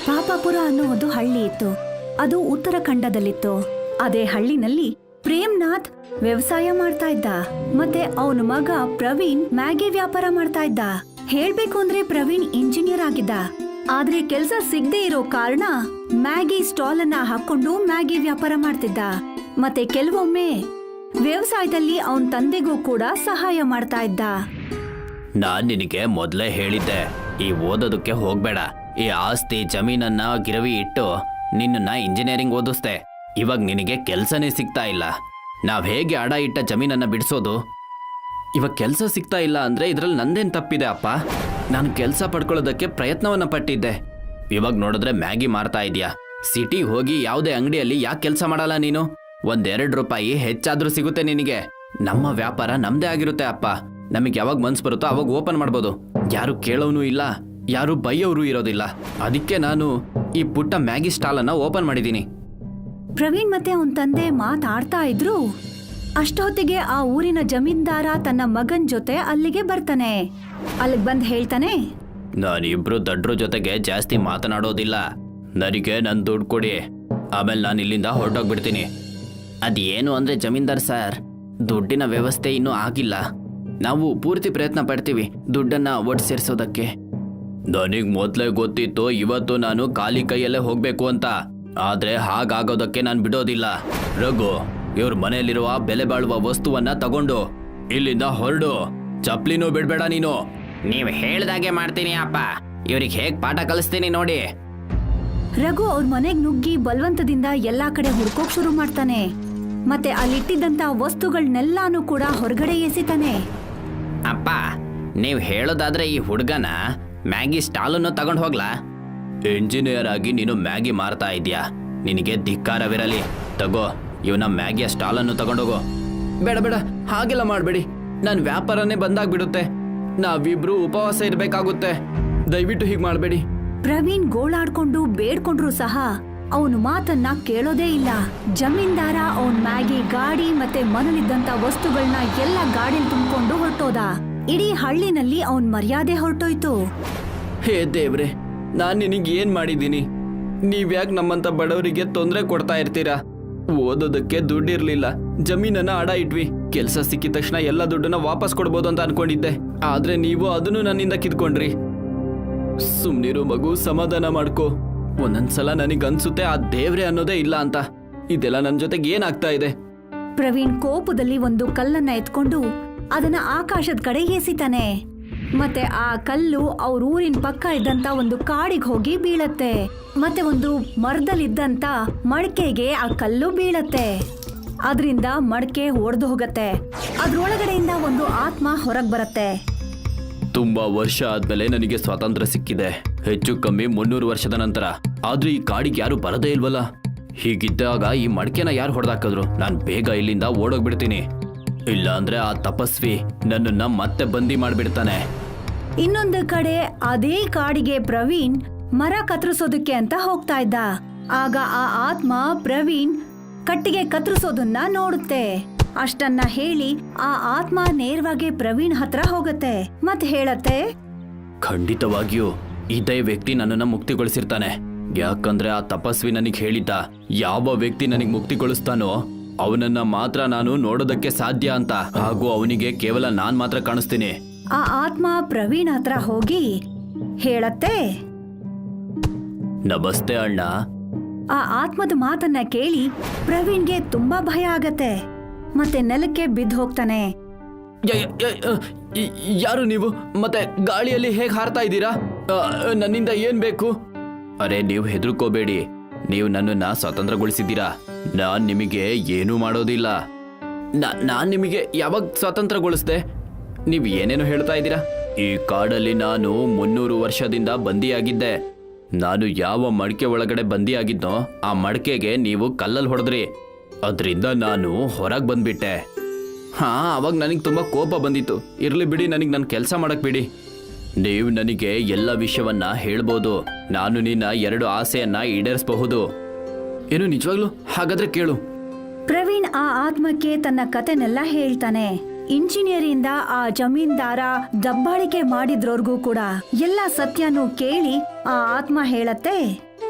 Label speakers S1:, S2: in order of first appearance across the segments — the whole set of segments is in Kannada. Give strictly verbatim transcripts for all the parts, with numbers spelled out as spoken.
S1: ಪಾಪಾಪುರ ಅನ್ನೋ ಒಂದು ಹಳ್ಳಿ ಇತ್ತು. ಅದು ಉತ್ತರಾಖಂಡದಲ್ಲಿತ್ತು. ಅದೇ ಹಳ್ಳಿನಲ್ಲಿ ಪ್ರೇಮ್ನಾಥ್ ವ್ಯವಸಾಯ ಮಾಡ್ತಾ ಇದ್ದ. ಮತ್ತೆ ಅವನ ಮಗ ಪ್ರವೀಣ್ ಮ್ಯಾಗಿ ವ್ಯಾಪಾರ ಮಾಡ್ತಾ ಇದ್ದ. ಹೇಳ್ಬೇಕು ಅಂದ್ರೆ ಪ್ರವೀಣ್ ಇಂಜಿನಿಯರ್ ಆಗಿದ್ದ. ಆದ್ರೆ ಕೆಲ್ಸ ಸಿಗದೆ ಇರೋ ಕಾರಣ ಮ್ಯಾಗಿ ಸ್ಟಾಲ್ ಅನ್ನ ಹಾಕೊಂಡು ಮ್ಯಾಗಿ ವ್ಯಾಪಾರ ಮಾಡ್ತಿದ್ದ. ಮತ್ತೆ ಕೆಲವೊಮ್ಮೆ ವ್ಯವಸಾಯದಲ್ಲಿ ಅವನ್ ತಂದೆಗೂ ಕೂಡ ಸಹಾಯ ಮಾಡ್ತಾ ಇದ್ದ.
S2: ನಾನ್ ನಿನಗೆ ಮೊದ್ಲೇ ಹೇಳಿದ್ದೆ, ಈ ಓದೋದಕ್ಕೆ ಹೋಗ್ಬೇಡ. ಈ ಆಸ್ತಿ ಜಮೀನನ್ನ ಗಿರವಿ ಇಟ್ಟು ನಿನ್ನ ಇಂಜಿನಿಯರಿಂಗ್ ಓದಿಸ್ದೆ. ಇವಾಗ ನಿನಗೆ ಕೆಲ್ಸನೇ ಸಿಗ್ತಾ ಇಲ್ಲ. ನಾವ್ ಹೇಗೆ ಅಡ ಇಟ್ಟ ಜಮೀನನ್ನ ಬಿಡಿಸೋದು? ಇವಾಗ ಕೆಲಸ ಸಿಗ್ತಾ ಇಲ್ಲ ಅಂದ್ರೆ ಇದ್ರಲ್ಲಿ ನಂದೇನ್ ತಪ್ಪಿದೆ ಅಪ್ಪ? ನಾನು ಕೆಲಸ ಪಡ್ಕೊಳ್ಳೋದಕ್ಕೆ ಪ್ರಯತ್ನವನ್ನ ಪಟ್ಟಿದ್ದೆ. ಇವಾಗ ನೋಡಿದ್ರೆ ಮ್ಯಾಗಿ ಮಾರ್ತಾ ಇದೀಯಾ. ಸಿಟಿಗೆ ಹೋಗಿ ಯಾವುದೇ ಅಂಗಡಿಯಲ್ಲಿ ಯಾಕೆ ಕೆಲಸ ಮಾಡಲ್ಲ ನೀನು? ಒಂದೆರಡು ರೂಪಾಯಿ ಹೆಚ್ಚಾದ್ರೂ ಸಿಗುತ್ತೆ ನಿನಗೆ. ನಮ್ಮ ವ್ಯಾಪಾರ ನಮ್ದೇ ಆಗಿರುತ್ತೆ ಅಪ್ಪ. ನಮಗೆ ಯಾವಾಗ ಮನ್ಸು ಬರುತ್ತೋ ಅವಾಗ ಓಪನ್ ಮಾಡ್ಬೋದು. ಯಾರು ಕೇಳೋನು ಇಲ್ಲ, ಯಾರು ಬೈಯೋರು ಇರೋದಿಲ್ಲ. ಅದಕ್ಕೆ ನಾನು ಈ ಪುಟ್ಟ ಮ್ಯಾಗಿ ಸ್ಟಾಲ್ ಅನ್ನ ಓಪನ್ ಮಾಡಿದ್ದೀನಿ.
S1: ಪ್ರವೀಣ್ ಮತ್ತೆ ಅವನ್ ತಂದೆ ಮಾತಾಡ್ತಾ ಇದ್ರು. ಅಷ್ಟೊತ್ತಿಗೆ ಆ ಊರಿನ ಜಮೀನ್ದಾರ ತನ್ನ ಮಗನ್ ಜೊತೆ ಅಲ್ಲಿಗೆ ಬರ್ತಾನೆ. ಅಲ್ಲಿಗೆ ಬಂದ್ ಹೇಳ್ತಾನೆ,
S2: ನಾನಿಬ್ರು ದಡ್ರ ಜೊತೆಗೆ ಜಾಸ್ತಿ ಮಾತನಾಡೋದಿಲ್ಲ. ನನಗೆ ನನ್ ದುಡ್ಡು ಕೊಡಿ, ಆಮೇಲೆ ನಾನು ಇಲ್ಲಿಂದ ಹೊರಟೋಗ್ಬಿಡ್ತೀನಿ. ಅದೇನು ಅಂದ್ರೆ ಜಮೀನ್ದಾರ್ ಸರ್, ದುಡ್ಡಿನ ವ್ಯವಸ್ಥೆ ಇನ್ನೂ ಆಗಿಲ್ಲ. ನಾವು ಪೂರ್ತಿ ಪ್ರಯತ್ನ ಪಡ್ತೀವಿ ದುಡ್ಡನ್ನ ಒಟ್ಟು ಸೇರಿಸೋದಕ್ಕೆ. ನನಗ್ ಮೊದ್ಲೇ ಗೊತ್ತಿತ್ತು ಇವತ್ತು ನಾನು ಖಾಲಿ ಕೈಯಲ್ಲೇ ಹೋಗ್ಬೇಕು ಅಂತ. ಆದ್ರೆ ಹಾಗಾಗೋದಕ್ಕೆ ನಾನು ಬಿಡೋದಿಲ್ಲ. ರಘು, ಇವ್ರ ಮನೆಯಲ್ಲಿರುವ ಬೆಲೆ ಬಾಳುವ ವಸ್ತುವನ್ನ ತಗೊಂಡು ಇಲ್ಲಿಂದ ಹೊರಡು. ಚಪ್ಲಿನೂ ಬಿಡ್ಬೇಡ ನೀನು. ನೀವ್ ಹೇಳ್ದಾಗೆ ಮಾಡ್ತೀನಿ ಅಪ್ಪ. ಇವ್ರಿಗೆ ಹೇಗ್ ಪಾಠ ಕಲಿಸ್ತೀನಿ ನೋಡಿ.
S1: ರಘು ಅವ್ರ ಮನೆಗ್ ನುಗ್ಗಿ ಬಲವಂತದಿಂದ ಎಲ್ಲಾ ಕಡೆ ಹುಡ್ಕೋಕ್ ಶುರು ಮಾಡ್ತಾನೆ. ಮತ್ತೆ ಅಲ್ಲಿಟ್ಟಿದ್ದಂತ ವಸ್ತುಗಳನ್ನೆಲ್ಲಾನು ಕೂಡ ಹೊರಗಡೆ ಎಸಿತಾನೆ.
S2: ಅಪ್ಪ, ನೀವ್ ಹೇಳೋದಾದ್ರೆ ಈ ಹುಡ್ಗನ ಮ್ಯಾಗಿ ಸ್ಟಾಲನ್ನು ತಗೊಂಡ್ ಹೋಗ್ಲಾ? ಇಂಜಿನಿಯರ್ ಆಗಿ ನೀನು ಮ್ಯಾಗಿ ಮಾರ್ತಾ ಇದೀಯಾ, ನಿನಗೆ ಧಿಕ್ಕಾರವಿರಲಿ. ತಗೋ, ಇವನ ಮ್ಯಾಗಿಯ ಸ್ಟಾಲನ್ನು ತಗೊಂಡೋಗು. ಬೇಡ ಬೇಡ, ಹಾಗೆಲ್ಲ ಮಾಡ್ಬೇಡಿ. ನನ್ ವ್ಯಾಪಾರನೇ ಬಂದಾಗ್ಬಿಡುತ್ತೆ. ನಾವಿಬ್ರು ಉಪವಾಸ ಇರ್ಬೇಕಾಗುತ್ತೆ. ದಯವಿಟ್ಟು ಹೀಗ್ ಮಾಡ್ಬೇಡಿ.
S1: ಪ್ರವೀಣ್ ಗೋಳಾಡ್ಕೊಂಡು ಬೇಡ್ಕೊಂಡ್ರು ಸಹ ಅವನು ಮಾತನ್ನ ಕೇಳೋದೇ ಇಲ್ಲ. ಜಮೀನ್ದಾರ ಅವನ್ ಮ್ಯಾಗಿ ಗಾಡಿ ಮತ್ತೆ ಮನೇಲಿದ್ದಂತ ವಸ್ತುಗಳನ್ನ ಎಲ್ಲ ಗಾಡಿಲಿ ತುಂಬಿಕೊಂಡು ಹೊರಟೋದ. ಇಡೀ ಹಳ್ಳಿನಲ್ಲಿ ಅವನ್ ಮರ್ಯಾದೆ ಹೊರಟೋಯ್ತು.
S2: ಹೇ ದೇವ್ರೆ, ನಾನ್ ನಿನಗೆ ಏನ್ ಮಾಡಿದ್ದೀನಿ? ನೀವ್ಯಾಕೆ ನಮ್ಮಂತ ಬಡವರಿಗೆ ತೊಂದರೆ ಕೊಡ್ತಾ ಇರ್ತೀರಾ? ಓದೋದಕ್ಕೆ ದುಡ್ಡಿರ್ಲಿಲ್ಲ, ಜಮೀನನ್ನ ಅಡ ಇಟ್ವಿ. ಕೆಲ್ಸ ಸಿಕ್ಕಿದ ತಕ್ಷಣ ಎಲ್ಲ ದುಡ್ಡನ್ನ ವಾಪಸ್ ಕೊಡ್ಬೋದು ಅಂತ ಅನ್ಕೊಂಡಿದ್ದೆ. ಆದ್ರೆ ನೀವು ಅದನ್ನು ನನ್ನಿಂದ ಕಿತ್ಕೊಂಡ್ರಿ. ಸುಮ್ನಿರು ಮಗು, ಸಮಾಧಾನ ಮಾಡ್ಕೋ. ಒಂದೊಂದ್ಸಲ ನನಗನ್ಸುತ್ತೆ ಆ ದೇವ್ರೆ ಅನ್ನೋದೇ ಇಲ್ಲ ಅಂತ. ಇದೆಲ್ಲ ನನ್ ಜೊತೆಗೆ ಏನಾಗ್ತಾ ಇದೆ?
S1: ಪ್ರವೀಣ್ ಕೋಪದಲ್ಲಿ ಒಂದು ಕಲ್ಲನ್ನ ಎತ್ಕೊಂಡು ಅದನ್ನ ಆಕಾಶದ ಕಡೆ ಎಸಿತಾನೆ. ಮತ್ತೆ ಆ ಕಲ್ಲು ಅವ್ರ ಊರಿನ ಪಕ್ಕ ಇದ್ದಂತ ಒಂದು ಕಾಡಿಗೆ ಹೋಗಿ ಬೀಳತ್ತೆ. ಮತ್ತೆ ಒಂದು ಮರದಲ್ಲಿದ್ದಂತ ಮಡಕೆಗೆ ಆ ಕಲ್ಲು ಬೀಳತ್ತೆ. ಅದರಿಂದ ಮಡಕೆ ಒಡೆದು ಹೋಗತ್ತೆ. ಅದ್ರೊಳಗಡೆಯಿಂದ ಒಂದು ಆತ್ಮ ಹೊರಗ್ ಬರತ್ತೆ.
S2: ತುಂಬಾ ವರ್ಷ ಆದ್ಮೇಲೆ ನನಗೆ ಸ್ವಾತಂತ್ರ್ಯ ಸಿಕ್ಕಿದೆ, ಹೆಚ್ಚು ಕಮ್ಮಿ ಮುನ್ನೂರು ವರ್ಷದ ನಂತರ. ಆದ್ರೆ ಈ ಕಾಡಿಗೆ ಯಾರು ಬರದೇ ಇಲ್ವಲ್ಲ. ಹೀಗಿದ್ದಾಗ ಈ ಮಡಕೆನ ಯಾರು ಹೊಡೆದಾಕಿದ್ರು? ನಾನ್ ಬೇಗ ಇಲ್ಲಿಂದ ಓಡೋಗ್ಬಿಡ್ತೀನಿ. ಇಲ್ಲ ಅಂದ್ರೆ ಆ ತಪಸ್ವಿ ನನ್ನನ್ನ ಮತ್ತೆ ಬಂದಿ ಮಾಡ್ಬಿಡ್ತಾನೆ.
S1: ಇನ್ನೊಂದು ಕಡೆ ಅದೇ ಕಾಡಿಗೆ ಪ್ರವೀಣ್ ಮರ ಕತ್ತರಿಸೋದಕ್ಕೆ ಅಂತ ಹೋಗ್ತಾ ಇದ್ದ. ಆಗ ಆ ಆತ್ಮ ಪ್ರವೀಣ್ ಕಟ್ಟಿಗೆ ಕತ್ತರಿಸೋದನ್ನ ನೋಡುತ್ತೆ. ಅಷ್ಟನ್ನ ಹೇಳಿ ಆ ಆತ್ಮ ನೇರವಾಗಿ ಪ್ರವೀಣ್ ಹತ್ರ ಹೋಗತ್ತೆ ಮತ್ ಹೇಳತ್ತೆ,
S2: ಖಂಡಿತವಾಗಿಯೂ ಇದೇ ವ್ಯಕ್ತಿ ನನ್ನನ್ನ ಮುಕ್ತಿಗೊಳಿಸಿರ್ತಾನೆ. ಯಾಕಂದ್ರೆ ಆ ತಪಸ್ವಿ ನನಗ್ ಹೇಳಿದ್ದ, ಯಾವ ವ್ಯಕ್ತಿ ನನಗ್ ಮುಕ್ತಿಗೊಳಿಸ್ತಾನೋ ಅವನನ್ನ ಮಾತ್ರ ನಾನು ನೋಡೋದಕ್ಕೆ ಸಾಧ್ಯ ಅಂತ. ಹಾಗೂ ಅವನಿಗೆ ಕೇವಲ ನಾನ್ ಮಾತ್ರ ಕಾಣಿಸ್ತೀನಿ.
S1: ಆ ಆತ್ಮ ಪ್ರವೀಣ್ ಹತ್ರ ಹೋಗಿ ಹೇಳತ್ತೆ,
S2: ನಮಸ್ತೆ ಅಣ್ಣ.
S1: ಆ ಆತ್ಮದ ಮಾತನ್ನ ಕೇಳಿ ಪ್ರವೀಣ್ಗೆ ತುಂಬಾ ಭಯ ಆಗತ್ತೆ. ಮತ್ತೆ ನೆಲಕ್ಕೆ ಬಿದ್ದು ಹೋಗ್ತಾನೆ.
S2: ಯಾರು ನೀವು? ಮತ್ತೆ ಗಾಳಿಯಲ್ಲಿ ಹೇಗ್ ಹಾರ್ತಾ ಇದ್ದೀರಾ? ನನ್ನಿಂದ ಏನ್ ಬೇಕು? ಅರೆ, ನೀವು ಹೆದರ್ಕೋಬೇಡಿ. ನೀವು ನನ್ನನ್ನ ಸ್ವತಂತ್ರಗೊಳಿಸಿದ್ದೀರಾ. ನಾನ್ ನಿಮಗೆ ಏನೂ ಮಾಡೋದಿಲ್ಲ. ನಾನ್ ನಿಮಗೆ ಯಾವಾಗ ಸ್ವತಂತ್ರಗೊಳಿಸ್ದೆ? ನೀವು ಏನೇನು ಹೇಳ್ತಾ ಇದ್ದೀರಾ? ಈ ಕಾಡಲ್ಲಿ ನಾನು ಮುನ್ನೂರು ವರ್ಷದಿಂದ ಬಂದಿಯಾಗಿದ್ದೆ. ನಾನು ಯಾವ ಮಡಕೆ ಒಳಗಡೆ ಬಂದಿಯಾಗಿದ್ನೋ ಆ ಮಡಕೆಗೆ ನೀವು ಕಲ್ಲಲ್ಲಿ ಹೊಡೆದ್ರಿ. ಅದರಿಂದ ನಾನು ಹೊರಗೆ ಬಂದ್ಬಿಟ್ಟೆ. ಹಾ, ಅವಾಗ ನನಗೆ ತುಂಬಾ ಕೋಪ ಬಂದಿತ್ತು. ಇರ್ಲಿ ಬಿಡಿ, ನನಗೆ ನನ್ನ ಕೆಲಸ ಮಾಡಕ್ ಬಿಡಿ. ನೀವು ನನಗೆ ಎಲ್ಲ ವಿಷಯವನ್ನ ಹೇಳ್ಬೋದು. ನಾನು ನಿನ್ನ ಎರಡು ಆಸೆಯನ್ನ ಈಡೇರಿಸಬಹುದು. ಏನು ನಿಜವಾಗ್ಲು? ಹಾಗಾದ್ರೆ ಕೇಳು.
S1: ಪ್ರವೀಣ್ ಆ ಆತ್ಮಕ್ಕೆ ತನ್ನ ಕತೆನೆಲ್ಲ ಹೇಳ್ತಾನೆ. ಇಂಜಿನಿಯರಿಂದ ಆ ಜಮೀನ್ದಾರ ದಬ್ಬಾಳಿಕೆ ಮಾಡಿದ್ರೋರ್ಗೂ ಕೂಡ ಎಲ್ಲ ಸತ್ಯನೂ ಕೇಳಿ ಆ ಆತ್ಮ ಹೇಳತ್ತೆ,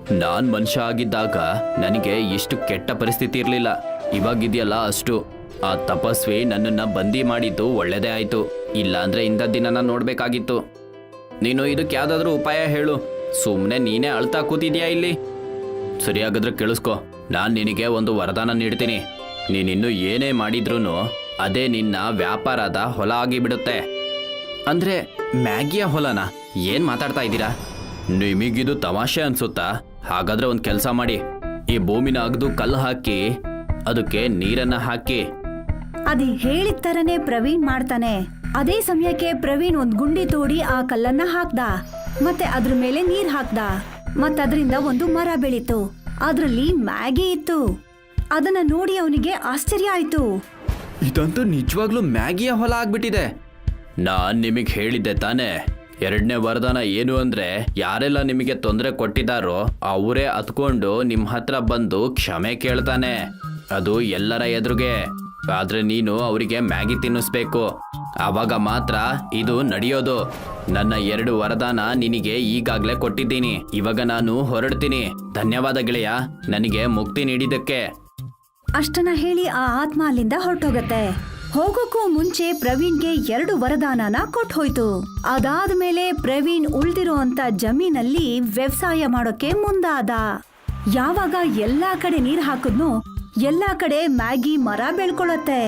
S2: ನಾನ್ ಮನುಷ್ಯ ಆಗಿದ್ದಾಗ ನನಗೆ ಇಷ್ಟು ಕೆಟ್ಟ ಪರಿಸ್ಥಿತಿ ಇರಲಿಲ್ಲ. ಇವಾಗಿದೆಯಲ್ಲ ಅಷ್ಟು. ಆ ತಪಸ್ವಿ ನನ್ನನ್ನ ಬಂದಿ ಮಾಡಿದ್ದು ಒಳ್ಳೇದೇ ಆಯ್ತು, ಇಲ್ಲಾಂದ್ರೆ ಇಂಥ ದಿನನ ನೋಡ್ಬೇಕಾಗಿತ್ತು. ನೀನು ಇದಕ್ಕೆ ಯಾವ್ದಾದ್ರೂ ಉಪಾಯ ಹೇಳು. ಸುಮ್ಮನೆ ನೀನೇ ಅಳ್ತಾ ಕೂತಿದ್ಯಾ ಇಲ್ಲಿ. ಸರಿಯಾಗಾದ್ರೆ ಕೇಳಿಸ್ಕೊ, ನಾನು ನಿನಗೆ ಒಂದು ವರದಾನ ನೀಡ್ತೀನಿ. ನೀನಿನ್ನು ಏನೇ ಮಾಡಿದ್ರೂ ಅದೇ ನಿನ್ನ ವ್ಯಾಪಾರದ ಹೊಲ ಆಗಿಬಿಡುತ್ತೆ. ಅಂದ್ರೆ ಮ್ಯಾಗಿಯ ಹೊಲನ? ಏನ್ ಮಾತಾಡ್ತಾ ಇದ್ದೀರಾ? ನಿಮಗಿದು ತಮಾಷೆ ಅನ್ಸುತ್ತಾ? ಹಾಗಾದ್ರೆ ಒಂದು ಕೆಲಸ ಮಾಡಿ, ಈ ಭೂಮಿನ ಅಗ್ದು ಕಲ್ಲು ಹಾಕಿ ಅದಕ್ಕೆ ನೀರನ್ನ ಹಾಕಿ.
S1: ಅದ್ ಹೇಳಿದ ತರನೇ ಪ್ರವೀಣ್ ಮಾಡ್ತಾನೆ. ಅದೇ ಸಮಯಕ್ಕೆ ಪ್ರವೀಣ್ ಒಂದ್ ಗುಂಡಿ ತೋಡಿ ಆ ಕಲ್ಲನ್ನ ಹಾಕ್ದ, ಮತ್ತೆ ಅದ್ರ ಮೇಲೆ ನೀರ್ ಹಾಕ್ದ. ಮತ್ತದ್ರಿಂದ ಒಂದು ಮರ ಬೆಳೀತು. ಅದ್ರಲ್ಲಿ ಮ್ಯಾಗಿ ಇತ್ತು. ಅದನ್ನ ನೋಡಿ ಅವನಿಗೆ ಆಶ್ಚರ್ಯ ಆಯ್ತು.
S2: ಇದಂತೂ ನಿಜವಾಗ್ಲೂ ಮ್ಯಾಗಿಯ ಹೊಲ ಆಗ್ಬಿಟ್ಟಿದೆ. ನಾನ್ ನಿಮಗೆ ಹೇಳಿದ್ದೆ ತಾನೇ, ಎರಡನೇ ವರದಾನ ಏನು ಅಂದ್ರೆ ಯಾರೆಲ್ಲ ನಿಮಗೆ ತೊಂದರೆ ಕೊಟ್ಟಿದ್ದಾರೋ ಅವರೇ ಹತ್ಕೊಂಡು ನಿಮ್ಮ ಹತ್ರ ಬಂದು ಕ್ಷಮೆ ಕೇಳ್ತಾನೆ, ಅದು ಎಲ್ಲರ ಎದುರಿಗೆ. ಆದ್ರೆ ನೀನು ಅವರಿಗೆ ಮ್ಯಾಗಿ ತಿನ್ನಿಸ್ಬೇಕು, ಆವಾಗ ಮಾತ್ರ ಇದು ನಡೆಯೋದು. ನನ್ನ ಎರಡು ವರದಾನ ನಿನಗೆ ಈಗಾಗಲೇ ಕೊಟ್ಟಿದ್ದೀನಿ. ಇವಾಗ ನಾನು ಹೊರಡ್ತೀನಿ. ಧನ್ಯವಾದ ಗೆಳೆಯ, ನನಗೆ ಮುಕ್ತಿ ನೀಡಿದ್ದಕ್ಕೆ.
S1: ಅಷ್ಟನ್ನ ಹೇಳಿ ಆ ಆತ್ಮ ಅಲ್ಲಿಂದ ಹೊರಟೋಗತ್ತೆ. ಹೋಗೋಕ್ಕೂ ಮುಂಚೆ ಪ್ರವೀಣ್ಗೆ ಎರಡು ವರದಾನನ ಕೊಟ್ಟು ಹೋಯ್ತು. ಅದಾದ್ಮೇಲೆ ಪ್ರವೀಣ್ ಉಳ್ದಿರೋ ಅಂತ ಜಮೀನಲ್ಲಿ ವ್ಯವಸಾಯ ಮಾಡೋಕೆ ಮುಂದಾದ. ಯಾವಾಗ ಎಲ್ಲಾ ಕಡೆ ನೀರ್ ಹಾಕಿದ್ನೋ ಎಲ್ಲಾ ಕಡೆ ಮ್ಯಾಗಿ ಮರ ಬೆಳ್ಕೊಳತ್ತೆ.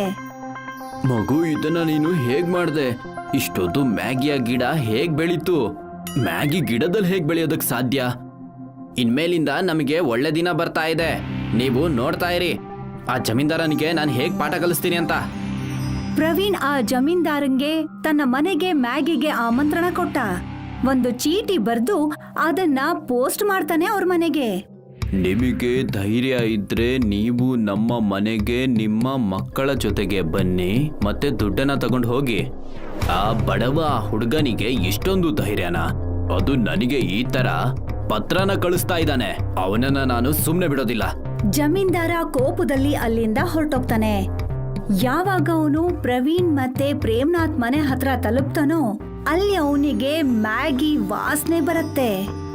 S2: ಮಗು, ಇದನ್ನ ನೀನು ಹೇಗ್ ಮಾಡ್ದೆ? ಇಷ್ಟೊಂದು ಮ್ಯಾಗಿಯ ಗಿಡ ಹೇಗ್ ಬೆಳೀತು? ಮ್ಯಾಗಿ ಗಿಡದಲ್ಲಿ ಹೇಗ್ ಬೆಳೆಯೋದಕ್ ಸಾಧ್ಯ? ಇನ್ಮೇಲಿಂದ ನಮಗೆ ಒಳ್ಳೆ ದಿನ ಬರ್ತಾ ಇದೆ. ನೀವು ನೋಡ್ತಾ ಇರಿ, ಆ ಜಮೀನ್ದಾರನಿಗೆ ನಾನು ಹೇಗ್ ಪಾಠ ಕಲಿಸ್ತೀನಿ ಅಂತ.
S1: ಪ್ರವೀಣ್ ಆ ಜಮೀನ್ದಾರಂಗೆ ತನ್ನ ಮನೆಗೆ ಮ್ಯಾಗಿಗೆ ಆಮಂತ್ರಣ ಕೊಟ್ಟ. ಒಂದು ಚೀಟಿ ಬರ್ದು ಅದನ್ನ ಪೋಸ್ಟ್ ಮಾಡ್ತಾನೆ ಅವ್ರ ಮನೆಗೆ.
S2: ನಿಮಗೆ ಧೈರ್ಯ ಇದ್ರೆ ನೀವು ನಮ್ಮ ಮನೆಗೆ ನಿಮ್ಮ ಮಕ್ಕಳ ಜೊತೆಗೆ ಬನ್ನಿ, ಮತ್ತೆ ದುಡ್ಡನ್ನ ತಗೊಂಡು ಹೋಗಿ. ಆ ಬಡವ ಹುಡುಗನಿಗೆ ಇಷ್ಟೊಂದು ಧೈರ್ಯನ? ಅದು ನನಗೆ ಈ ತರ ಪತ್ರನ ಕಳಿಸ್ತಾ ಇದ್ದಾನೆ. ಅವನನ್ನ ನಾನು ಸುಮ್ನೆ ಬಿಡೋದಿಲ್ಲ.
S1: ಜಮೀನ್ದಾರ ಕೋಪದಲ್ಲಿ ಅಲ್ಲಿಂದ ಹೊರಟೋಗ್ತಾನೆ. ಯಾವಾಗ ಅವನು ಪ್ರವೀಣ್ ಮತ್ತೆ ಪ್ರೇಮ್ನಾಥ್ ಮನೆ ಹತ್ರ ತಲುಪ್ತಾನೋ ಅಲ್ಲಿ ಅವನಿಗೆ ಮ್ಯಾಗಿ ವಾಸನೆ ಬರುತ್ತೆ.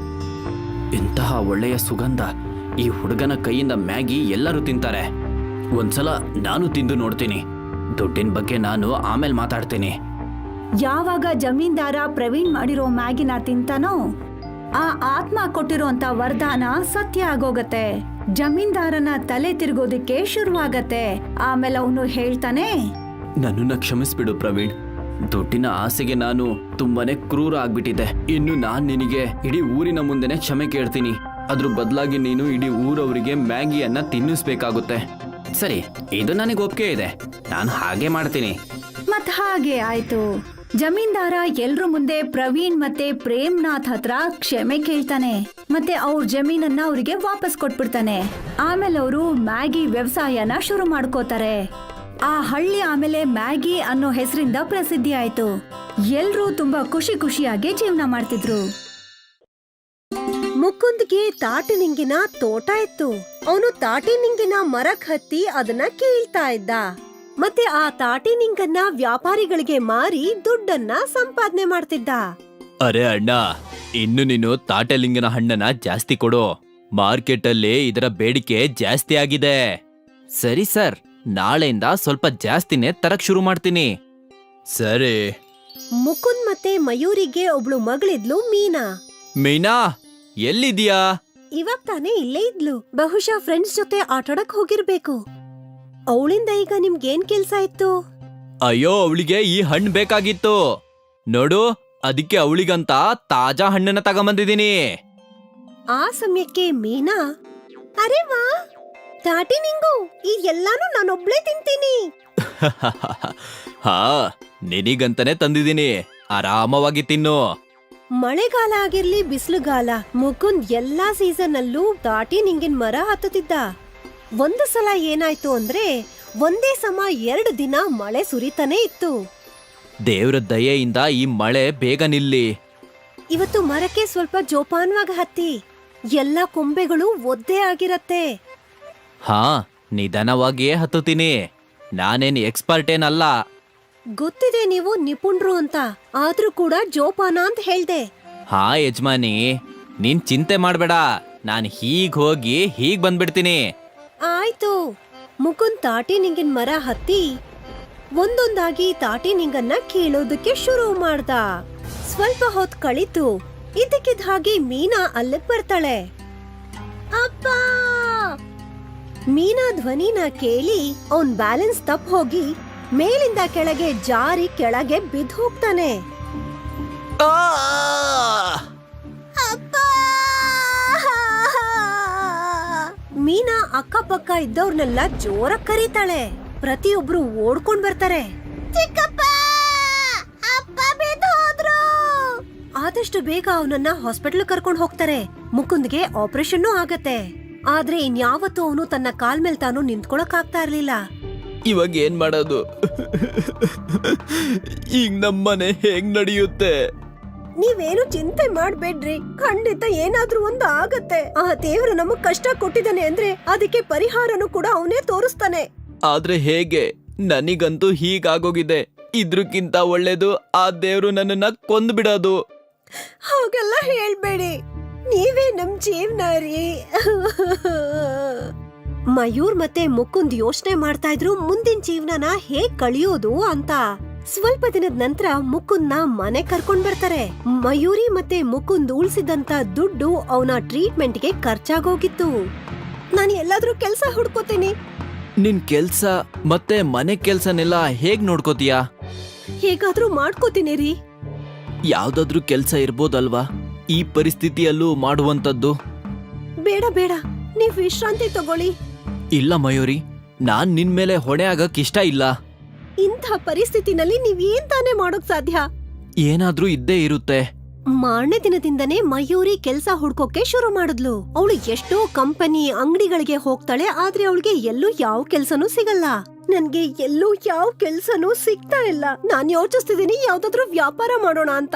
S2: ಇಂತಹ ಒಳ್ಳೆಯ ಸುಗಂಧ! ಈ ಹುಡುಗನ ಕೈಯಿಂದ ಮ್ಯಾಗಿ ಎಲ್ಲರೂ ತಿಂತಾರೆ. ಒಂದ್ಸಲ ನಾನು ತಿಂದು ನೋಡ್ತೀನಿ. ದುಡ್ಡಿನ ಬಗ್ಗೆ ನಾನು ಆಮೇಲೆ ಮಾತಾಡ್ತೀನಿ.
S1: ಯಾವಾಗ ಜಮೀನ್ದಾರ ಪ್ರವೀಣ್ ಮಾಡಿರೋ ಮ್ಯಾಗಿನ ತಿಂತಾನೋ ಆ ಆತ್ಮ ಕೊಟ್ಟಿರೋಂತ ವರದಾನ ಸತ್ಯ ಆಗೋಗತ್ತೆ. ಜಮೀನ್ದಾರನ ತಲೆ ತಿರುಗೋದಿಕ್ಕೆ ಶುರುವಾಗತ್ತೆ. ಆಮೇಲೆ ಅವನು ಹೇಳ್ತಾನೆ,
S2: ನನ್ನನ್ನ ಕ್ಷಮಿಸ್ಬಿಡು ಪ್ರವೀಣ್. ದುಡ್ಡಿನ ಆಸೆಗೆ ನಾನು ತುಂಬಾನೇ ಕ್ರೂರ ಆಗ್ಬಿಟ್ಟಿದ್ದೆ. ಇನ್ನು ನಾನ್ ನಿನಗೆ ಇಡೀ ಊರಿನ ಮುಂದೆನೆ ಕ್ಷಮೆ ಕೇಳ್ತೀನಿ. ಅದ್ರ ಬದಲಾಗಿ ನೀನು ಇಡೀ ಊರವರಿಗೆ ಮ್ಯಾಗಿಯನ್ನ ತಿನ್ನಿಸ್ಬೇಕಾಗುತ್ತೆ. ಸರಿ, ಇದು ನನಗೆ ಒಪ್ಪಿಗೆ ಇದೆ. ನಾನು ಹಾಗೆ ಮಾಡ್ತೀನಿ.
S1: ಮತ್ ಹಾಗೆ ಆಯ್ತು. ಜಮೀನ್ದಾರ ಎಲ್ರ ಮುಂದೆ ಪ್ರವೀಣ್ ಮತ್ತೆ ಪ್ರೇಮ್ನಾಥ್ ಹತ್ರ ಕ್ಷಮೆ ಕೇಳ್ತಾನೆ. ಮತ್ತೆ ಅವ್ರ ಜಮೀನನ್ನ ಅವ್ರಿಗೆ ವಾಪಸ್ ಕೊಟ್ಬಿಡ್ತಾನೆ. ಆಮೇಲೆ ಅವರು ಮ್ಯಾಗಿ ವ್ಯವಸಾಯನ ಶುರು ಮಾಡ್ಕೋತಾರೆ. ಆ ಹಳ್ಳಿ ಆಮೇಲೆ ಮ್ಯಾಗಿ ಅನ್ನೋ ಹೆಸರಿಂದ ಪ್ರಸಿದ್ಧಿ ಆಯ್ತು. ಎಲ್ರೂ ತುಂಬಾ ಖುಷಿ ಖುಷಿಯಾಗಿ ಜೀವನ ಮಾಡ್ತಿದ್ರು. ಮುಕುಂದ್ಗೆ ತಾಟಿನಿಂಗಿನ ತೋಟ ಇತ್ತು. ಅವನು ತಾಟಿನಿಂಗಿನ ಮರಕ್ ಹತ್ತಿ ಅದನ್ನ ಕೀಳ್ತಾ ಇದ್ದ. ಮತ್ತೆ ಆ ತಾಟಿನಿಂಗನ್ನ ವ್ಯಾಪಾರಿಗಳಿಗೆ ಮಾರಿ ದುಡ್ಡನ್ನ ಸಂಪಾದನೆ ಮಾಡ್ತಿದ್ದ.
S2: ಅರೆ ಅಣ್ಣ, ಇನ್ನು ನೀನು ತಾಟಲಿಂಗನ ಹಣ್ಣನ್ನ ಜಾಸ್ತಿ ಕೊಡು. ಮಾರ್ಕೆಟ್ ಅಲ್ಲಿ ಇದರ ಬೇಡಿಕೆ ಜಾಸ್ತಿ ಆಗಿದೆ. ಸರಿ ಸರ್, ನಾಳೆಯಿಂದ ಸ್ವಲ್ಪ ಜಾಸ್ತಿನೇ ತರಕ್ ಶುರು ಮಾಡ್ತೀನಿ. ಸರಿ.
S1: ಮುಕುಂದ್ ಮತ್ತೆ ಮಯೂರಿಗೆ ಒಬ್ಳು ಮಗಳಿದ್ಲು, ಮೀನಾ.
S2: ಮೀನಾ, ಎಲ್ಲಿದ್ಯಾ?
S1: ಇವಾಗ ತಾನೇ ಇಲ್ಲೇ ಇದ್ಲು. ಬಹುಶಃ ಫ್ರೆಂಡ್ಸ್ ಜೊತೆ ಆಟಾಡಕ್ ಹೋಗಿರ್ಬೇಕು. ಅವಳಿಂದ ಈಗ ನಿಮ್ಗೇನ್ ಕೆಲ್ಸ ಇತ್ತು?
S2: ಅಯ್ಯೋ, ಅವಳಿಗೆ ಈ ಹಣ್ಣು ಬೇಕಾಗಿತ್ತು ನೋಡು, ಅದಕ್ಕೆ ಅವಳಿಗಂತ ತಾಜಾ ಹಣ್ಣನ್ನ ತಗೊಂಬಂದಿದ್ದೀನಿ.
S1: ಆ ಸಮಯಕ್ಕೆ ಮೀನಾ, ಅರೆ ವಾ, ತಾಟಿ ನಿಂಗು, ಈ ಎಲ್ಲಾನು ನಾನೊಬ್ಳೇ ತಿಂತೀನಿ.
S2: ಹಾ, ನಿನಗಂತಾನೆ ತಂದಿದ್ದೀನಿ, ಆರಾಮವಾಗಿ ತಿನ್ನು.
S1: ಮಳೆಗಾಲ ಆಗಿರ್ಲಿ ಬಿಸಿಲುಗಾಲ, ಮುಕುಂದ್ ಎಲ್ಲಾ ಸೀಸನ್ ಅಲ್ಲೂ ತಾಟಿ ನಿಂಗಿನ ಮರ ಹತ್ತುತ್ತಿದ್ದ. ಒಂದು ಸಲ ಏನಾಯ್ತು ಅಂದ್ರೆ ಒಂದೇ ಸಮ ಎರಡು ದಿನ ಮಳೆ ಸುರಿತಾನೆ ಇತ್ತು.
S2: ದೇವ್ರ ದಯೆಯಿಂದ ಈ ಮಳೆ ಬೇಗ ನಿಲ್ಲಿ.
S1: ಇವತ್ತು ಮರಕ್ಕೆ ಸ್ವಲ್ಪ ಜೋಪಾನವಾಗಿ ಹತ್ತಿ, ಎಲ್ಲಾ ಕೊಂಬೆಗಳು ಒದ್ದೆ ಆಗಿರತ್ತೆ.
S2: ಹಾ, ನಿಧಾನವಾಗಿಯೇ ಹತ್ತುತ್ತೀನಿ. ನಾನೇನ್ ಎಕ್ಸ್ಪರ್ಟ್ ಏನಲ್ಲ.
S1: ಗೊತ್ತಿದೆ ನೀವು ನಿಪುಣರು ಅಂತ, ಆದ್ರೂ ಕೂಡ ಜೋಪಾನ ಅಂತ ಹೇಳ್ದೆ.
S2: ಹಾ ಯಜಮಾನಿ, ನೀನ್ ಚಿಂತೆ ಮಾಡ್ಬೇಡ, ನಾನು ಹೀಗ್ ಹೋಗಿ ಹೀಗ್ ಬಂದ್ಬಿಡ್ತೀನಿ.
S3: ಆಯ್ತು. ಮುಕುಂದ್ ತಾಟಿ ನಿಂಗಿನ ಮರ ಹತ್ತಿ ಒಂದೊಂದಾಗಿ ತಾಟಿ ನಿಂಗನ್ನ ಕೀಳೋದಕ್ಕೆ ಶುರು ಮಾಡ್ದ. ಸ್ವಲ್ಪ ಹೊತ್ತು ಕಳಿತು ಇದಕ್ಕಿದ್ದ ಹಾಗೆ ಮೀನಾ ಅಲ್ಲಿಗ್ ಬರ್ತಾಳೆ. ಅಪ್ಪ! ಮೀನಾ ಧ್ವನಿನ ಕೇಳಿ ಅವನ್ ಬ್ಯಾಲೆನ್ಸ್ ತಪ್ಪ ಹೋಗಿ ಮೇಲಿಂದ ಕೆಳಗೆ ಜಾರಿ ಕೆಳಗೆ ಬಿದ್ದು ಹೋಗ್ತಾನೆ. ಅಪ್ಪ! ಮೀನಾ ಅಕ್ಕಪಕ್ಕ ಇದ್ದವ್ರನ್ನೆಲ್ಲ ಜೋರ ಕರೀತಾಳೆ. ಪ್ರತಿಯೊಬ್ರು ಓಡ್ಕೊಂಡ್ ಬರ್ತಾರೆ. ಚಿಕ್ಕಪ್ಪ! ಅಪ್ಪ ಬಿದ್ದು ಹೋದ್ರು! ಆದಷ್ಟು ಬೇಗ ಅವನನ್ನ ಹಾಸ್ಪಿಟಲ್ ಕರ್ಕೊಂಡ್ ಹೋಗ್ತಾರೆ. ಮುಕುಂದ್ಗೆ ಆಪರೇಷನ್ ಆಗತ್ತೆ. ಆದ್ರೆ ಇನ್ಯಾವತ್ತೂ ಅವನು ತನ್ನ ಕಾಲ್ ಮೇಲ್ ತಾನು ನಿಂತ್ಕೊಳಕ್ ಆಗ್ತಾ ಇರ್ಲಿಲ್ಲ.
S2: ಇವಾಗ ಏನ್ ಮಾಡೋದು? ಈಗ ನಮ್ಮನೆ ಹೇಗ್ ನಡೆಯುತ್ತೆ?
S3: ನೀವೇನು ಚಿಂತೆ ಮಾಡ್ಬೇಡ್ರಿ, ಖಂಡಿತ ಏನಾದ್ರೂ ಒಂದು ಆಗತ್ತೆ. ಆ ದೇವ್ರು ನಮಗ್ ಕಷ್ಟ ಕೊಟ್ಟಿದ್ದಾನೆ ಅಂದ್ರೆ ಅದಕ್ಕೆ ಪರಿಹಾರನು ಕೂಡ ಅವನೇ ತೋರಿಸ್ತಾನೆ.
S2: ಆದ್ರೆ ಹೇಗೆ? ನನಗಂತೂ ಹೀಗಾಗೋಗಿದೆ. ಇದ್ರಕ್ಕಿಂತ ಒಳ್ಳೇದು ಆ ದೇವ್ರು ನನ್ನನ್ನ ಕೊಂದ್ ಬಿಡೋದು.
S3: ಹಾಗೆಲ್ಲ ಹೇಳ್ಬೇಡಿ, ನೀವೇ ನಮ್ ಜೀವನ ರೀ. ಮಯೂರ್ ಮತ್ತೆ ಮುಕುಂದ್ ಯೋಚನೆ ಮಾಡ್ತಾ ಇದ್ರು ಮುಂದಿನ ಜೀವನನ ಹೇಗ್ ಕಳಿಯೋದು ಅಂತ. ಸ್ವಲ್ಪ ದಿನದ ನಂತರ ಮುಕುಂದ್ನ ಮನೆ ಕರ್ಕೊಂಡ್ ಬರ್ತಾರೆ. ಮಯೂರಿ ಮತ್ತೆ ಮುಕುಂದ್ ಉಳ್ಸಿದಂತ ದುಡ್ಡು ಅವನ ಟ್ರೀಟ್ಮೆಂಟ್ಗೆ ಖರ್ಚಾಗೋಗಿತ್ತು. ನಾನು ಎಲ್ಲಾದ್ರೂ ಕೆಲ್ಸ ಹುಡ್ಕೋತೀನಿ.
S2: ನಿನ್ ಕೆಲ್ಸ ಮತ್ತೆ ಮನೆ ಕೆಲ್ಸನೆಲ್ಲ ಹೇಗ್ ನೋಡ್ಕೋತೀಯಾ?
S3: ಹೇಗಾದ್ರೂ ಮಾಡ್ಕೋತೀನಿ ರೀ.
S2: ಯಾವ್ದಾದ್ರೂ ಕೆಲ್ಸ ಇರ್ಬೋದಲ್ವಾ ಈ ಪರಿಸ್ಥಿತಿಯಲ್ಲೂ ಮಾಡುವಂತದ್ದು?
S3: ಬೇಡ ಬೇಡ, ನೀವ್ ವಿಶ್ರಾಂತಿ ತಗೊಳ್ಳಿ.
S2: ಇಲ್ಲ ಮಯೂರಿ, ನಾನ್ ನಿನ್ ಮೇಲೆ ಹೊಣೆ ಆಗಕ್ ಇಷ್ಟ ಇಲ್ಲ.
S3: ಇಂಥ ಪರಿಸ್ಥಿತಿನಲ್ಲಿ ನೀವ್ ಏನ್ ತಾನೇ ಮಾಡೋಕ್ ಸಾಧ್ಯ?
S2: ಏನಾದ್ರೂ ಇದ್ದೇ ಇರುತ್ತೆ.
S3: ಮಾರನೇ ದಿನದಿಂದನೇ ಮಯೂರಿ ಕೆಲ್ಸ ಹುಡ್ಕೋಕೆ ಶುರು ಮಾಡಿದ್ಲು. ಅವಳು ಎಷ್ಟೋ ಕಂಪನಿ ಅಂಗಡಿಗಳಿಗೆ ಹೋಗ್ತಾಳೆ, ಆದ್ರೆ ಅವಳಿಗೆ ಎಲ್ಲೂ ಯಾವ ಕೆಲ್ಸನೂ ಸಿಗಲ್ಲ. ನನ್ಗೆ ಎಲ್ಲೂ ಯಾವ ಕೆಲ್ಸನೂ ಸಿಗ್ತಾ ಇಲ್ಲ. ನಾನ್ ಯೋಚಿಸ್ತಿದೀನಿ ಯಾವ್ದಾದ್ರು ವ್ಯಾಪಾರ ಮಾಡೋಣ ಅಂತ.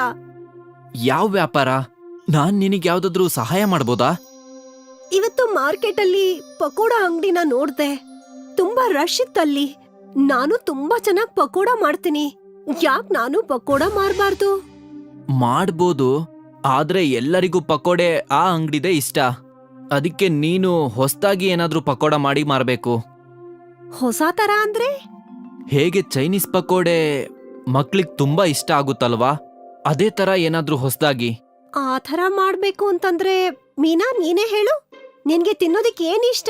S2: ಯಾವ ವ್ಯಾಪಾರ? ನಾನ್ ನಿನಗ್ ಯಾವ್ದಾದ್ರೂ ಸಹಾಯ ಮಾಡ್ಬೋದಾ?
S3: ಇವತ್ತು ಮಾರ್ಕೆಟ್ ಅಲ್ಲಿ ಪಕೋಡ ಅಂಗಡಿನ ನೋಡ್ದೆ. ತುಂಬಾ ರಶ್ ಇತ್ತಲ್ಲಿ. ನಾನು ತುಂಬಾ ಚೆನ್ನಾಗ್ ಪಕೋಡ ಮಾಡ್ತೀನಿ. ಯಾಕ್ ನಾನು ಪಕೋಡ ಮಾರ್ಬಾರ್ದು?
S2: ಮಾಡ್ಬೋದು, ಆದ್ರೆ ಎಲ್ಲರಿಗೂ ಪಕೋಡೆ ಆ ಅಂಗಡಿದೆ ಇಷ್ಟ. ಅದಕ್ಕೆ ನೀನು ಹೊಸ್ದಾಗಿ ಏನಾದ್ರೂ ಪಕೋಡ ಮಾಡಿ ಮಾರ್ಬೇಕು.
S3: ಹೊಸ ತರ ಅಂದ್ರೆ?
S2: ಹೇಗೆ ಚೈನೀಸ್ ಪಕೋಡೆ ಮಕ್ಳಿಗ್ ತುಂಬಾ ಇಷ್ಟ ಆಗುತ್ತಲ್ವಾ, ಅದೇ ತರ ಏನಾದ್ರೂ ಹೊಸ್ದಾಗಿ.
S3: ಆ ಥರ ಮಾಡ್ಬೇಕು ಅಂತಂದ್ರೆ ಮೀನಾ ನೀನೇ ಹೇಳು, ನಿನ್ಗೆ ತಿನ್ನೋದಕ್ಕೆ ಏನ್ ಇಷ್ಟ?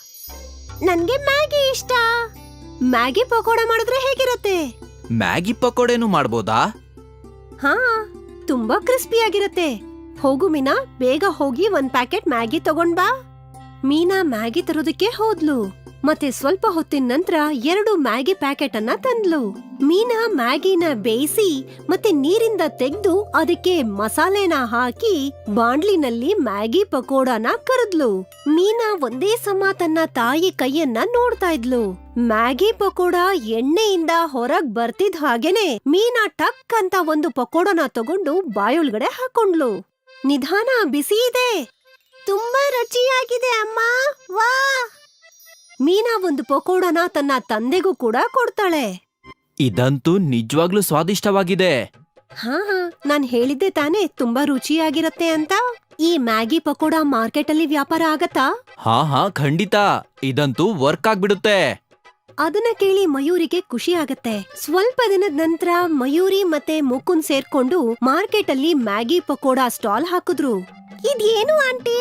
S3: ನನ್ಗೆ ಮ್ಯಾಗಿ ಇಷ್ಟ. ಮ್ಯಾಗಿ ಪಕೋಡ ಮಾಡಿದ್ರೆ ಹೇಗಿರತ್ತೆ?
S2: ಮ್ಯಾಗಿ ಪಕೋಡೆನೂ ಮಾಡ್ಬೋದಾ?
S3: ಹಾ, ತುಂಬಾ ಕ್ರಿಸ್ಪಿ ಆಗಿರತ್ತೆ. ಹೋಗು ಮೀನಾ, ಬೇಗ ಹೋಗಿ ಒಂದ್ ಪ್ಯಾಕೆಟ್ ಮ್ಯಾಗಿ ತಗೊಂಡ್ ಬಾ. ಮೀನಾ ಮ್ಯಾಗಿ ತರೋದಕ್ಕೆ ಹೋದ್ಲು. ಮತ್ತೆ ಸ್ವಲ್ಪ ಹೊತ್ತಿನ ನಂತರ ಎರಡು ಮ್ಯಾಗಿ ಪ್ಯಾಕೆಟ್ ಅನ್ನ ತಂದ್ಲು. ಮೀನಾ ಮ್ಯಾಗಿನ ಬೇಯಿಸಿ ಮತ್ತೆ ನೀರಿಂದ ತೆಗೆದು ಅದಕ್ಕೆ ಮಸಾಲೆನ ಹಾಕಿ ಬಾಂಡ್ಲಿನಲ್ಲಿ ಮ್ಯಾಗಿ ಪಕೋಡನ ಕರದ್ಲು. ಮೀನಾ ಒಂದೇ ಸಮ ತನ್ನ ತಾಯಿ ಕೈಯನ್ನ ನೋಡ್ತಾ ಇದ್ಲು. ಮ್ಯಾಗಿ ಪಕೋಡ ಎಣ್ಣೆಯಿಂದ ಹೊರಗ್ ಬರ್ತಿದ್ ಹಾಗೇನೆ ಮೀನಾ ಟಕ್ ಅಂತ ಒಂದು ಪಕೋಡನ ತಗೊಂಡು ಬಾಯೊಳಗಡೆ ಹಾಕೊಂಡ್ಲು. ನಿಧಾನ, ಬಿಸಿ ಇದೆ, ತುಂಬಾ ರುಚಿಯಾಗಿದೆ ಅಮ್ಮ, ವಾ. ಮೀನಾ ಒಂದು ಪಕೋಡನ ತನ್ನ ತಂದೆಗೂ ಕೂಡ ಕೊಡ್ತಾಳೆ.
S2: ಇದಂತೂ ನಿಜವಾಗ್ಲೂ ಸ್ವಾದಿಷ್ಟವಾಗಿದೆ.
S3: ಹಾ ಹಾ, ನಾನ್ ಹೇಳಿದ್ದೆ ತಾನೇ ತುಂಬಾ ರುಚಿಯಾಗಿರತ್ತೆ ಅಂತ. ಈ ಮ್ಯಾಗಿ ಪಕೋಡ ಮಾರ್ಕೆಟ್ ಅಲ್ಲಿ ವ್ಯಾಪಾರ ಆಗತ್ತಾ?
S2: ಹಾ ಹಾ ಖಂಡಿತ, ಇದಂತೂ ವರ್ಕ್ ಆಗ್ಬಿಡುತ್ತೆ.
S3: ಅದನ್ನ ಕೇಳಿ ಮಯೂರಿಗೆ ಖುಷಿ ಆಗತ್ತೆ. ಸ್ವಲ್ಪ ದಿನದ ನಂತರ ಮಯೂರಿ ಮತ್ತೆ ಮುಕುಂದ್ ಸೇರ್ಕೊಂಡು ಮಾರ್ಕೆಟ್ ಅಲ್ಲಿ ಮ್ಯಾಗಿ ಪಕೋಡ ಸ್ಟಾಲ್ ಹಾಕಿದ್ರು. ಇದೇನು aunty?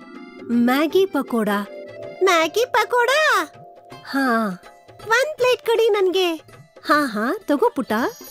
S3: Maggi pakoda. Maggi pakoda? ಹಾ, ಒಂದ್ ಪ್ಲೇಟ್ ಕಡಿ ನನ್ಗೆ. ಹಾ ಹಾ ತಗೋ ಪುಟ.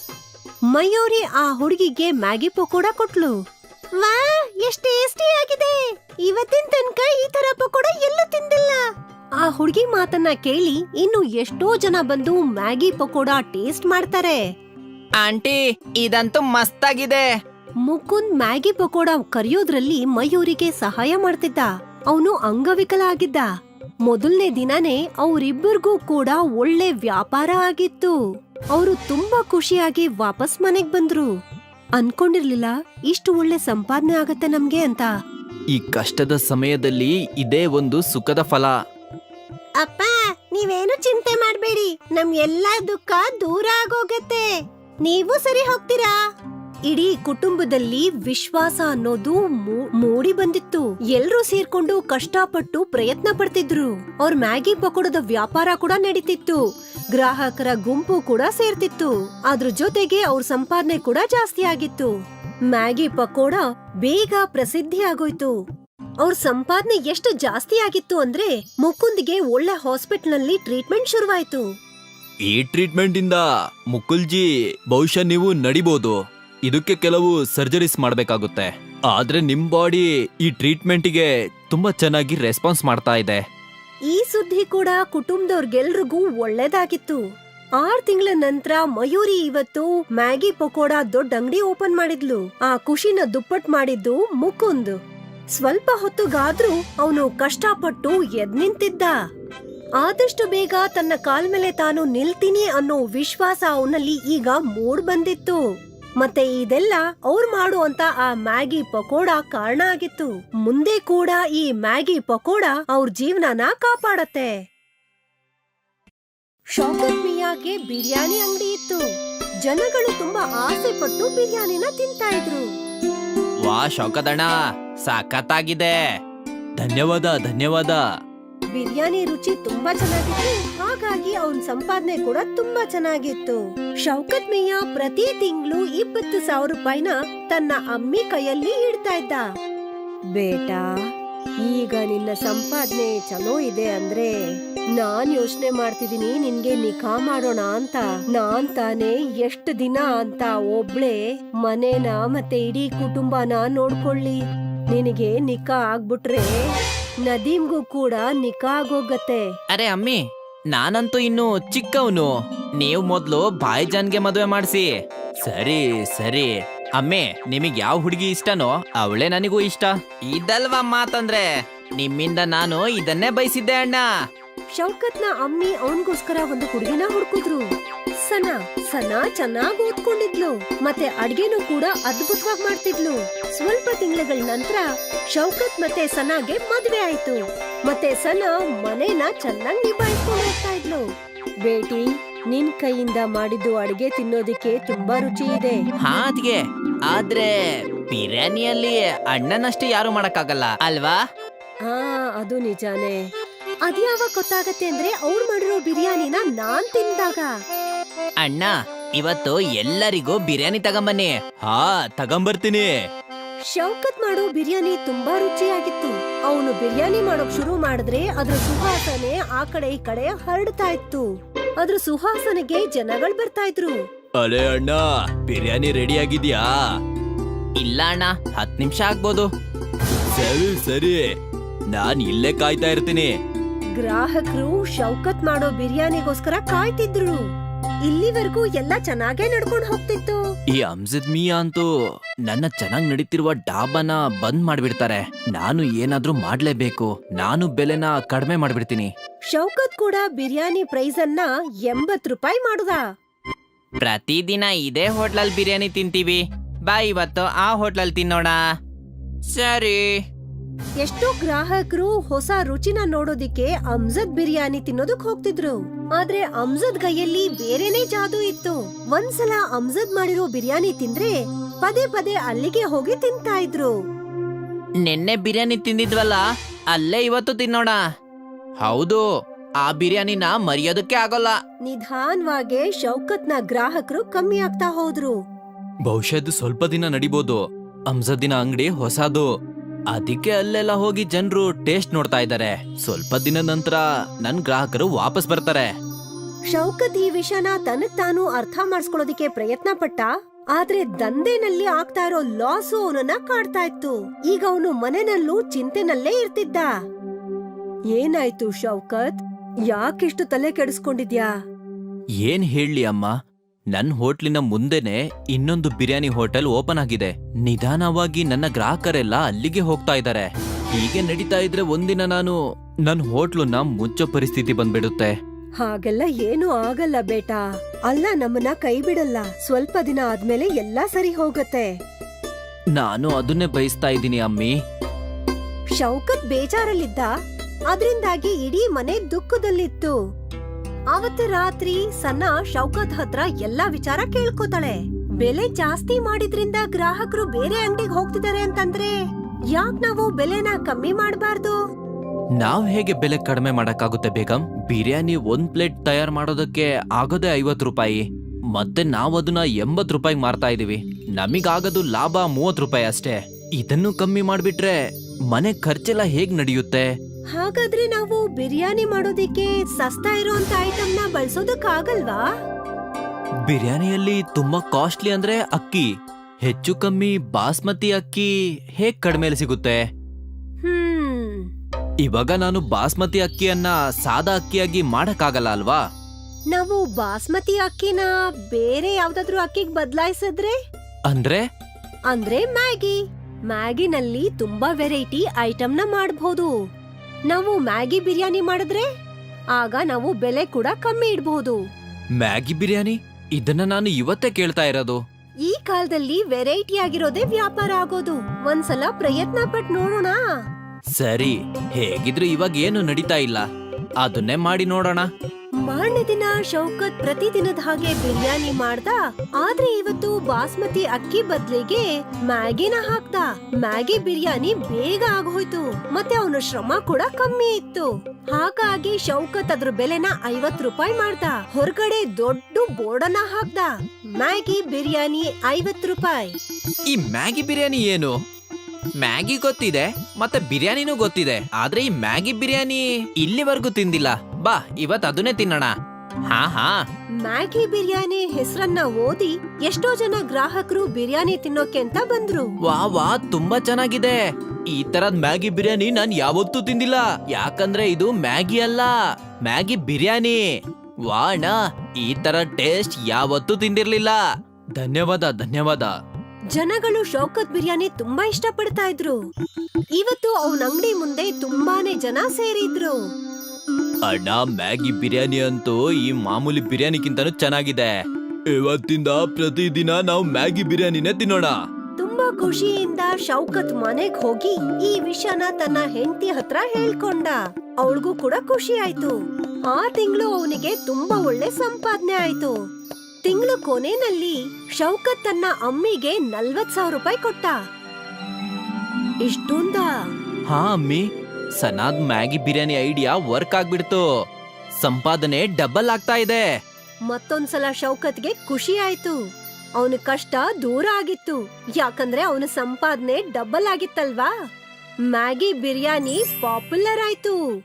S3: ಮಯೂರಿ ಆ ಹುಡುಗಿಗೆ ಮ್ಯಾಗಿ ಪಕೋಡ ಕೊಟ್ಲು. ವಾ, ಎಷ್ಟು ಟೇಸ್ಟಿ ಆಗಿದೆ. ಇವತ್ತಿನ ತನಕ ಈ ತರ ಪಕೋಡ ಎಲ್ಲೂ ತಿಂದಿಲ್ಲ. ಆ ಹುಡುಗಿ ಮಾತನ್ನ ಕೇಳಿ ಇನ್ನು ಎಷ್ಟೋ ಜನ ಬಂದು ಮ್ಯಾಗಿ ಪಕೋಡ ಟೇಸ್ಟ್ ಮಾಡ್ತಾರೆ.
S2: ಆಂಟಿ, ಇದಂತೂ ಮಸ್ತಾಗಿದೆ.
S3: ಮುಕುಂದ್ ಮ್ಯಾಗಿ ಪಕೋಡ ಕರಿಯೋದ್ರಲ್ಲಿ ಮಯೂರಿಗೆ ಸಹಾಯ ಮಾಡ್ತಿದ್ದ. ಅವನು ಅಂಗವಿಕಲ ಆಗಿದ್ದ. ಮೊದಲನೇ ದಿನನೇ ಅವರಿಬ್ಬರಿಗೂ ಕೂಡ ಒಳ್ಳೆ ವ್ಯಾಪಾರ ಆಗಿತ್ತು. ಅವರು ತುಂಬಾ ಖುಷಿಯಾಗಿ ವಾಪಸ್ ಮನೆಗ್ ಬಂದ್ರು. ಅನ್ಕೊಂಡಿರ್ಲಿಲ್ಲ ಇಷ್ಟು ಒಳ್ಳೆ ಸಂಪಾದನೆ ಆಗತ್ತೆ ನಮ್ಗೆ ಅಂತ.
S2: ಈ ಕಷ್ಟದ ಸಮಯದಲ್ಲಿ ಇದೇ ಒಂದು ಸುಖದ ಫಲ.
S3: ಅಪ್ಪ, ನೀವೇನು ಚಿಂತೆ ಮಾಡ್ಬೇಡಿ, ನಮ್ ಎಲ್ಲಾ ದುಃಖ ದೂರ ಆಗೋಗತ್ತೆ. ನೀವು ಸರಿ ಹೋಗ್ತೀರಾ? ಇಡೀ ಕುಟುಂಬದಲ್ಲಿ ವಿಶ್ವಾಸ ಅನ್ನೋದು ಮೂ- ಮೂಡಿ ಬಂದಿತ್ತು. ಎಲ್ರೂ ಸೇರ್ಕೊಂಡು ಕಷ್ಟಪಟ್ಟು ಪ್ರಯತ್ನ ಪಡ್ತಿದ್ರು. ಅವ್ರ ಮ್ಯಾಗಿ ಪಕೋಡದ ವ್ಯಾಪಾರ ಕೂಡ ನಡೀತಿತ್ತು. ಗ್ರಾಹಕರ ಗುಂಪು ಕೂಡ ಸೇರ್ತಿತ್ತು. ಅದ್ರ ಜೊತೆಗೆ ಅವ್ರ ಸಂಪಾದನೆ ಕೂಡ ಜಾಸ್ತಿ ಆಗಿತ್ತು. ಮ್ಯಾಗಿ ಪಕೋಡ ಬೇಗ ಪ್ರಸಿದ್ಧಿ ಆಗೋಯ್ತು. ಅವ್ರ ಸಂಪಾದನೆ ಎಷ್ಟು ಜಾಸ್ತಿ ಆಗಿತ್ತು ಅಂದ್ರೆ ಮುಕುಂದ್ಗೆ ಒಳ್ಳೆ ಹಾಸ್ಪಿಟಲ್ ನಲ್ಲಿ ಟ್ರೀಟ್ಮೆಂಟ್ ಶುರುವಾಯ್ತು.
S2: ಈ ಟ್ರೀಟ್ಮೆಂಟ್ ಇಂದ ಮುಕುಲ್ಜಿ ಬಹುಶಃ ನೀವು ನಡಿಬಹುದು. ಇದಕ್ಕೆ ಕೆಲವು ಸರ್ಜರೀಸ್ ಮಾಡ್ಬೇಕಾಗುತ್ತೆ. ಆದ್ರೆ ನಿಮ್ ಬಾಡಿ ಈ ಟ್ರೀಟ್ಮೆಂಟಿಗೆ ತುಂಬಾ ಚೆನ್ನಾಗಿ ರೆಸ್ಪಾನ್ಸ್ ಮಾಡ್ತಾ ಇದೆ.
S3: ಈ ಸುದ್ದಿ ಕೂಡ ಕುಟುಂಬದವ್ರಿಗೆಲ್ರಿಗೂ ಒಳ್ಳೇದಾಗಿತ್ತು. ಆರ್ ತಿಂಗಳ ನಂತರ ಮಯೂರಿ ಇವತ್ತು ಮ್ಯಾಗಿ ಪಕೋಡ ದೊಡ್ಡ ಅಂಗಡಿ ಓಪನ್ ಮಾಡಿದ್ಲು. ಆ ಖುಷಿನ ದುಪ್ಪಟ್ ಮಾಡಿದ್ದು ಮುಕುಂದ್. ಸ್ವಲ್ಪ ಹೊತ್ತುಗಾದ್ರೂ ಅವನು ಕಷ್ಟಪಟ್ಟು ಎದ್ ನಿಂತಿದ್ದ. ಆದಷ್ಟು ಬೇಗ ತನ್ನ ಕಾಲ್ ಮೇಲೆ ತಾನು ನಿಲ್ತೀನಿ ಅನ್ನೋ ವಿಶ್ವಾಸ ಅವನಲ್ಲಿ ಈಗ ಮೂಡ್ ಬಂದಿತ್ತು. ಮತ್ತೆ ಇದೆಲ್ಲ ಅವ್ರು ಮಾಡುವಂತ ಆ ಮ್ಯಾಗಿ ಪಕೋಡ ಕಾರಣ ಆಗಿತ್ತು. ಮುಂದೆ ಕೂಡ ಈ ಮ್ಯಾಗಿ ಪಕೋಡ ಅವ್ರ ಜೀವನನ ಕಾಪಾಡತ್ತೆ. ಶೌಕತ್ ಮಿಯಾಗೆ ಬಿರಿಯಾನಿ ಅಂಗಡಿ ಇತ್ತು. ಜನಗಳು ತುಂಬಾ ಆಸೆ ಪಟ್ಟು ಬಿರಿಯಾನಿನ ತಿಂತಾ ಇದ್ರು.
S2: ವಾ ಶೌಕದಣ್ಣ, ಸಖತ್ತಾಗಿದೆ. ಧನ್ಯವಾದ ಧನ್ಯವಾದ.
S3: ಬಿರಿಯಾನಿ ರುಚಿ ತುಂಬಾ ಚೆನ್ನಾಗಿತ್ತು. ಹಾಗಾಗಿ ಅವನ್ ಸಂಪಾದನೆ ಕೂಡ ತುಂಬಾ ಚೆನ್ನಾಗಿತ್ತು. ಶೌಕತ್ ಮಿಯಾ ಪ್ರತಿ ತಿಂಗಳು ಇಪ್ಪತ್ತು ಸಾವಿರ ರೂಪಾಯಿನ ತನ್ನ ಅಮ್ಮಿ ಕೈಯಲ್ಲಿ ಇಡ್ತಾ ಇದ್ದ. ಬೇಟಾ, ಈಗ ನಿನ್ನ ಸಂಪಾದನೆ ಚಲೋ ಇದೆ ಅಂದ್ರೆ ನಾನ್ ಯೋಚನೆ ಮಾಡ್ತಿದೀನಿ ನಿನ್ಗೆ ನಿಖಾ ಮಾಡೋಣ ಅಂತ. ನಾನ್ ತಾನೇ ಎಷ್ಟ್ ದಿನ ಅಂತ ಒಬ್ಳೆ ಮನೇನ ಮತ್ತೆ ಇಡೀ ಕುಟುಂಬನ ನೋಡ್ಕೊಳ್ಳಿ. ನಿನಗೆ ನಿಖಾ ಆಗ್ಬಿಟ್ರೆ ನದೀಮ್ಗೂ ಕೂಡ ನಿಖಾ ಆಗೋಗತ್ತೆ.
S2: ಅರೆ ಅಮ್ಮಿ, ನಾನಂತೂ ಇನ್ನು ಚಿಕ್ಕವನು. ನೀವು ಮೊದ್ಲು ಭಾಯ್ಜಾನ್ಗೆ ಮದುವೆ ಮಾಡಿಸಿ. ಸರಿ ಸರಿ ಅಮ್ಮೆ, ನಿಮಗ್ ಯಾವ ಹುಡುಗಿ ಇಷ್ಟನೋ ಅವಳೇ ನನಗೂ ಇಷ್ಟ. ಇದಲ್ವಾ ಮಾತಂದ್ರೆ, ನಿಮ್ಮಿಂದ ನಾನು ಇದನ್ನೇ ಬಯಸಿದ್ದೆ ಅಣ್ಣ.
S3: ಶೌಕತ್ನ ಅಮ್ಮಿ ಅವನ್ಗೋಸ್ಕರ ಒಂದು ಹುಡುಗಿನ ಹುಡುಕಿದ್ರು. ಸನಾ ಸನಾ ಚೆನ್ನಾಗ್ ಓದ್ಕೊಂಡಿದ್ಲು ಮತ್ತೆ ಅಡ್ಗೆನೂ ಕೂಡ ಅದ್ಭುತವಾಗಿ ಮಾಡ್ತಿದ್ಲು. ಸ್ವಲ್ಪ ತಿಂಗಳ ನಂತರ ಶೌಕತ್ ಮತ್ತೆ ಸನಾಗೆ ಮದ್ವೆ ಆಯ್ತು. ಮತ್ತೆ ಸನಾ ಮನೇನ ಚೆನ್ನಾಗಿ ನಿಭಾಯಿಸ್ಕೊಂಡು ಹೋಗ್ತಾ ಇದ್ಲು. ಬೇಟಿ, ನಿನ್ ಕೈಯಿಂದ ಮಾಡಿದ್ದು ಅಡ್ಗೆ ತಿನ್ನೋದಿಕ್ಕೆ ತುಂಬಾ ರುಚಿ ಇದೆ.
S2: ಹಾ ಅದ್ಗೆ, ಆದ್ರೆ ಬಿರಿಯಾನಿಯಲ್ಲಿ ಅಣ್ಣನಷ್ಟೇ ಯಾರು ಮಾಡಕ್ಕಾಗಲ್ಲ ಅಲ್ವಾ?
S3: ಹಾ, ಅದು ನಿಜಾನೇ. ಅದ್ಯಾವಾಗ ಗೊತ್ತಾಗತ್ತೆ ಅಂದ್ರೆ ಅವ್ರು ಮಾಡಿರೋ ಬಿರಿಯಾನಿನ ನಾನ್ ತಿಂದಾಗ.
S2: ಅಣ್ಣ, ಇವತ್ತು ಎಲ್ಲರಿಗೂ ಬಿರಿಯಾನಿ ತಗೊಂಬನ್ನಿ. ಹಾ ತಗೊಂಬರ್ತೀನಿ.
S3: ಶೌಕತ್ ಮಾಡೋ ಬಿರಿಯಾನಿ ತುಂಬಾ ರುಚಿಯಾಗಿತ್ತು. ಅವನು ಬಿರಿಯಾನಿ ಮಾಡೋಕ್ ಶುರು ಮಾಡಿದ್ರೆ ಅದ್ರ ಸುವಾಸನೆ ಆ ಕಡೆ ಈ ಕಡೆ ಹರಡ್ತಾ ಇತ್ತು. ಅದ್ರ ಸುವಾಸನೆಗೆ ಜನಗಳು ಬರ್ತಾ ಇದ್ರು.
S2: ಅರೆ ಅಣ್ಣ, ಬಿರಿಯಾನಿ ರೆಡಿ ಆಗಿದ್ಯಾ? ಇಲ್ಲ ಅಣ್ಣ, ಹತ್ ನಿಮಿಷ ಆಗ್ಬೋದು. ಸರಿ ಸರಿ, ನಾನ್ ಇಲ್ಲೇ ಕಾಯ್ತಾ ಇರ್ತೀನಿ.
S3: ಗ್ರಾಹಕರು ಶೌಕತ್ ಮಾಡೋ ಬಿರಿಯಾನಿಗೋಸ್ಕರ ಕಾಯ್ತಿದ್ರು. ಇಲ್ಲಿವರೆಗೂ ಎಲ್ಲ ಚೆನ್ನಾಗೇ ನಡ್ಕೊಂಡು ಹೋಗ್ತಿತ್ತು.
S2: ಈ ಅಮ್ಜದ್ ಮಿಯಾ ಅಂತೂ ನನ್ನ ಚೆನ್ನಾಗ್ ನಡೀತಿರುವ ಡಾಬಾನ ಬಂದ್ ಮಾಡ್ಬಿಡ್ತಾರೆ. ನಾನು ಏನಾದ್ರೂ ಮಾಡ್ಲೇಬೇಕು. ನಾನು ಬೆಲೆನ ಕಡಿಮೆ ಮಾಡ್ಬಿಡ್ತೀನಿ.
S3: ಶೌಕತ್ ಕೂಡ ಬಿರಿಯಾನಿ ಪ್ರೈಸ್ ಅನ್ನ ಎಂಬತ್ ರೂಪಾಯಿ ಮಾಡುದ.
S2: ಪ್ರತಿದಿನ ಇದೇ ಹೋಟ್ಲಲ್ಲಿ ಬಿರಿಯಾನಿ ತಿಂತೀವಿ. ಬಾ ಇವತ್ತು ಆ ಹೋಟ್ಲಲ್ಲಿ ತಿನ್ನೋಣ. ಸರಿ.
S3: ಎಷ್ಟೋ ಗ್ರಾಹಕರು ಹೊಸ ರುಚಿನ ನೋಡೋದಿಕ್ಕೆ ಅಮ್ಜದ್ ಬಿರಿಯಾನಿ ತಿನ್ನೋದಕ್ ಹೋಗ್ತಿದ್ರು. ಆದ್ರೆ ಅಮ್ಜದ್ ಕೈಯಲ್ಲಿ ಬೇರೆನೇ ಜಾದೂ ಇತ್ತು. ಒಂದ್ಸಲ ಅಮ್ಜದ್ ಮಾಡಿರೋ ಬಿರಿಯಾನಿ ತಿಂದ್ರೆ ಪದೇ ಪದೇ ಅಲ್ಲಿಗೆ ಹೋಗಿ ತಿಂತಾ ಇದ್ರು.
S2: ನಿನ್ನೆ ಬಿರಿಯಾನಿ ತಿಂದಿದ್ವಲ್ಲ, ಅಲ್ಲೇ ಇವತ್ತು ತಿನ್ನೋಣ. ಹೌದು, ಆ ಬಿರಿಯಾನಿನ ಮರೆಯೋದಕ್ಕೆ ಆಗೋಲ್ಲ.
S3: ನಿಧಾನವಾಗಿ ಶೌಕತ್ನ ಗ್ರಾಹಕರು ಕಮ್ಮಿ ಆಗ್ತಾ ಹೋದ್ರು.
S2: ಬಹುಶಃ ಇದು ಸ್ವಲ್ಪ ದಿನ ನಡಿಬೋದು. ಅಮ್ಜದಿನ ಅಂಗಡಿ ಹೊಸದು, ಅದಕ್ಕೆ ಅಲ್ಲೆಲ್ಲ ಹೋಗಿ ಜನರು ಟೇಸ್ಟ್ ನೋಡ್ತಾ ಇದ್ದಾರೆ. ಸ್ವಲ್ಪ ದಿನ ನಂತರ ನನ್ ಗ್ರಾಹಕರು ವಾಪಸ್ ಬರ್ತಾರೆ.
S3: ಶೌಕತ್ ಈ ವಿಷಯನ ತನಗ್ ತಾನು ಅರ್ಥ ಮಾಡಿಸ್ಕೊಳ್ಳೋದಿಕ್ಕೆ ಪ್ರಯತ್ನ ಪಟ್ಟ. ಆದ್ರೆ ದಂಧೆನಲ್ಲಿ ಆಗ್ತಾ ಇರೋ ಲಾಸು ಅವನನ್ನ ಕಾಡ್ತಾ ಇತ್ತು. ಈಗ ಅವನು ಮನೆಯಲ್ಲೂ ಚಿಂತೆನಲ್ಲೇ ಇರ್ತಿದ್ದ. ಏನಾಯ್ತು ಶೌಕತ್, ಯಾಕಿಷ್ಟು ತಲೆ ಕೆಡಿಸ್ಕೊಂಡಿದ್ಯಾ?
S2: ಏನ್ ಹೇಳಿ ಅಮ್ಮ, ನನ್ ಹೋಟ್ಲಿನ ಮುಂದೆನೆ ಇನ್ನೊಂದು ಬಿರಿಯಾನಿ ಹೋಟೆಲ್ ಓಪನ್ ಆಗಿದೆ. ನಿಧಾನವಾಗಿ ನನ್ನ ಗ್ರಾಹಕರೆಲ್ಲ ಅಲ್ಲಿಗೆ ಹೋಗ್ತಾ ಇದ್ದಾರೆ. ಹೀಗೆ ನಡೀತಾ ಇದ್ರೆ ಒಂದಿನ ನಾನು ನನ್ ಹೋಟ್ಲನ್ನ ಮುಚ್ಚೋ ಪರಿಸ್ಥಿತಿ ಬಂದ್ಬಿಡುತ್ತೆ.
S3: ಹಾಗೆಲ್ಲ ಏನು ಆಗಲ್ಲ ಬೇಟಾ. ಅಲ್ಲ ನಮ್ಮನ್ನ ಕೈ ಬಿಡಲ್ಲ. ಸ್ವಲ್ಪ ದಿನ ಆದ್ಮೇಲೆ ಎಲ್ಲಾ ಸರಿ ಹೋಗತ್ತೆ.
S2: ನಾನು ಅದನ್ನೇ ಬಯಸ್ತಾ ಇದ್ದೀನಿ ಅಮ್ಮಿ.
S3: ಶೌಕತ್ ಬೇಜಾರಲ್ಲಿದ್ದ. ಅದ್ರಿಂದಾಗಿ ಇಡೀ ಮನೆ ದುಃಖದಲ್ಲಿತ್ತು. ಅವತ್ತು ರಾತ್ರಿ ಸನಾ ಶೌಕತ್ ಹತ್ರ ಎಲ್ಲಾ ವಿಚಾರ ಕೇಳ್ಕೋತಾಳೆ. ಬೆಲೆ ಜಾಸ್ತಿ ಮಾಡಿದ್ರಿಂದ ಗ್ರಾಹಕರು ಬೇರೆ ಅಂಗಡಿಗೆ ಹೋಗ್ತಿದ್ದಾರೆ ಅಂತಂದ್ರೆ ಯಾಕ್ ನಾವು ಬೆಲೆನ ಕಮ್ಮಿ ಮಾಡಬಾರ್ದು?
S2: ನಾವ್ ಹೇಗೆ ಬೆಲೆ ಕಡಿಮೆ ಮಾಡಕ್ಕಾಗುತ್ತೆ ಬೇಗಂ? ಬಿರಿಯಾನಿ ಒಂದ್ ಪ್ಲೇಟ್ ತಯಾರು ಮಾಡೋದಕ್ಕೆ ಆಗೋದೇ ಐವತ್ ರೂಪಾಯಿ, ಮತ್ತೆ ನಾವ್ ಅದನ್ನ ಎಂಬತ್ ರೂಪಾಯಿ ಮಾರ್ತಾ ಇದೀವಿ. ನಮಿಗಾಗೋದು ಲಾಭ ಮೂವತ್ ರೂಪಾಯಿ ಅಷ್ಟೇ. ಇದನ್ನು ಕಮ್ಮಿ ಮಾಡ್ಬಿಟ್ರೆ ಮನೆ ಖರ್ಚೆಲ್ಲ ಹೇಗ್ ನಡೆಯುತ್ತೆ?
S3: ಹಾಗಾದ್ರೆ ನಾವು ಬಿರಿಯಾನಿ ಮಾಡೋದಿಕ್ಕೆ ಸಸ್ತಾ ಇರೋಂತ ಐಟಮ್ನ ಬಳಸೋದಕ್ಕಾಗಲ್ವಾ?
S2: ಬಿರಿಯಾನಿಯಲ್ಲಿ ತುಂಬಾ ಕಾಸ್ಟ್ಲಿ ಅಂದ್ರೆ ಅಕ್ಕಿ. ಹೆಚ್ಚು ಕಮ್ಮಿ ಬಾಸ್ಮತಿ ಅಕ್ಕಿ ಹೇಗ್ ಕಡಿಮೆಲಿ ಸಿಗುತ್ತೆ?
S3: ಹ್ಮ್
S2: ಇವಾಗ ನಾನು ಬಾಸ್ಮತಿ ಅಕ್ಕಿಯನ್ನ ಸಾದಾ ಅಕ್ಕಿಯಾಗಿ ಮಾಡಕ್ಕಾಗಲ್ಲ ಅಲ್ವಾ?
S3: ನಾವು ಬಾಸ್ಮತಿ ಅಕ್ಕಿನ ಬೇರೆ ಯಾವ್ದಾದ್ರು ಅಕ್ಕಿಗ್ ಬದಲಾಯಿಸಿದ್ರೆ?
S2: ಅಂದ್ರೆ
S3: ಅಂದ್ರೆ ಮ್ಯಾಗಿ. ಮ್ಯಾಗಿನಲ್ಲಿ ತುಂಬಾ ವೆರೈಟಿ ಐಟಮ್ನ ಮಾಡಬಹುದು. ನಾವು ಮ್ಯಾಗಿ ಬಿರಿಯಾನಿ ಮಾಡಿದ್ರೆ ಆಗ ನಾವು ಬೆಲೆ ಕೂಡ ಕಮ್ಮಿ ಇಡಬಹುದು.
S2: ಮ್ಯಾಗಿ ಬಿರಿಯಾನಿ? ಇದನ್ನ ನಾನು ಇವತ್ತೇ ಕೇಳ್ತಾ ಇರೋದು.
S3: ಈ ಕಾಲದಲ್ಲಿ ವೆರೈಟಿ ಆಗಿರೋದೇ ವ್ಯಾಪಾರ ಆಗೋದು. ಒಂದ್ಸಲ ಪ್ರಯತ್ನ ಪಟ್ ನೋಡೋಣ.
S2: ಸರಿ, ಹೇಗಿದ್ರು ಇವಾಗ ಏನು ನಡೀತಾ ಇಲ್ಲ, ಅದನ್ನೇ ಮಾಡಿ ನೋಡೋಣ.
S3: ಮಾರನೇ ದಿನ ಶೌಕತ್ ಪ್ರತಿದಿನದ ಹಾಗೆ ಬಿರಿಯಾನಿ ಮಾಡ್ದ. ಆದ್ರೆ ಇವತ್ತು ಬಾಸ್ಮತಿ ಅಕ್ಕಿ ಬದ್ಲಿಗೆ ಮ್ಯಾಗಿನ ಹಾಕ್ದ. ಮ್ಯಾಗಿ ಬಿರಿಯಾನಿ ಬೇಗ ಆಗೋಯ್ತು, ಮತ್ತೆ ಅವನ ಶ್ರಮ ಕೂಡ ಕಮ್ಮಿ ಇತ್ತು. ಹಾಗಾಗಿ ಶೌಕತ್ ಅದ್ರ ಬೆಲೆನ ಐವತ್ ರೂಪಾಯಿ ಮಾಡ್ದ. ಹೊರಗಡೆ ದೊಡ್ಡ ಬೋರ್ಡನ್ನ ಹಾಕ್ದ, ಮ್ಯಾಗಿ ಬಿರಿಯಾನಿ ಐವತ್ ರೂಪಾಯಿ.
S2: ಈ ಮ್ಯಾಗಿ ಬಿರಿಯಾನಿ ಏನು? ಮ್ಯಾಗಿ ಗೊತ್ತಿದೆ, ಮತ್ತೆ ಬಿರಿಯಾನಿನೂ ಗೊತ್ತಿದೆ, ಆದ್ರೆ ಈ ಮ್ಯಾಗಿ ಬಿರಿಯಾನಿ ಇಲ್ಲಿವರೆಗೂ ತಿಂದಿಲ್ಲ. ಬಾ, ಇವತ್ ಅದನ್ನೇ ತಿನ್ನೋಣ. ಹಾ ಹಾ
S3: ಮ್ಯಾಗಿ ಬಿರಿಯಾನಿ ಹೆಸರನ್ನ ಓದಿ ಎಷ್ಟೋ ಜನ ಗ್ರಾಹಕರು ಬಿರಿಯಾನಿ ತಿನ್ನೋಕೆ ಅಂತ ಬಂದ್ರು.
S2: ವಾ ವಾ, ತುಂಬಾ ಚೆನ್ನಾಗಿದೆ. ಈ ತರದ್ ಮ್ಯಾಗಿ ಬಿರಿಯಾನಿ ನಾನ್ ಯಾವತ್ತೂ ತಿಂದಿಲ್ಲ. ಯಾಕಂದ್ರೆ ಇದು ಮ್ಯಾಗಿ ಅಲ್ಲ, ಮ್ಯಾಗಿ ಬಿರಿಯಾನಿ. ವಾ ಅಣ್ಣ, ಈ ತರ ಟೇಸ್ಟ್ ಯಾವತ್ತೂ ತಿಂದಿರ್ಲಿಲ್ಲ. ಧನ್ಯವಾದ ಧನ್ಯವಾದ.
S3: ಜನಗಳು ಶೌಕತ್ ಬಿರಿಯಾನಿ ತುಂಬಾ ಇಷ್ಟ ಪಡ್ತಾ ಇದ್ರು. ಇವತ್ತು ಅವನ ಅಂಗಡಿ ಮುಂದೆ ತುಂಬಾನೇ ಜನ ಸೇರಿದ್ರು.
S2: ಅಣ್ಣ, ಮ್ಯಾಗಿ ಬಿರಿಯಾನಿ ಅಂತೂ ಈ ಮಾಮೂಲಿ ಬಿರಿಯಾನಿಗಿಂತನೂ ಚೆನ್ನಾಗಿದೆ. ಇವತ್ತಿಂದ ಪ್ರತಿದಿನ ನಾವು ಮ್ಯಾಗಿ ಬಿರಿಯಾನಿನೇ ತಿನ್ನೋಣ.
S3: ತುಂಬಾ ಖುಷಿಯಿಂದ ಶೌಕತ್ ಮನೆಗ್ ಹೋಗಿ ಈ ವಿಷಯನ ತನ್ನ ಹೆಂಡತಿ ಹತ್ರ ಹೇಳ್ಕೊಂಡ. ಅವಳಿಗೂ ಕೂಡ ಖುಷಿ ಆಯ್ತು. ಆ ತಿಂಗಳು ಅವನಿಗೆ ತುಂಬಾ ಒಳ್ಳೆ ಸಂಪಾದನೆ ಆಯ್ತು. ತಿಂಗಳು ಕೊನೆನಲ್ಲಿ ಶೌಕತ್ ತನ್ನ ಅಮ್ಮಿಗೆ ನಲ್ವತ್ ಸಾವಿರ ರೂಪಾಯಿ ಕೊಟ್ಟ. ಇಷ್ಟೊಂದ?
S2: ಹಾ ಅಮ್ಮಿ, ಸನಾದ್ ಮ್ಯಾಗಿ ಬಿರಿಯಾನಿ ಐಡಿಯಾ ವರ್ಕ್ ಆಗ್ಬಿಡ್ತು. ಸಂಪಾದನೆ ಡಬಲ್ ಆಗ್ತಾ ಇದೆ.
S3: ಮತ್ತೊಂದ್ಸಲ ಶೌಕತ್ಗೆ ಖುಷಿ ಆಯ್ತು. ಅವನ ಕಷ್ಟ ದೂರ ಆಗಿತ್ತು, ಯಾಕಂದ್ರೆ ಅವನ ಸಂಪಾದನೆ ಡಬಲ್ ಆಗಿತ್ತಲ್ವಾ. ಮ್ಯಾಗಿ ಬಿರಿಯಾನಿ ಪಾಪ್ಯುಲರ್ ಆಯ್ತು.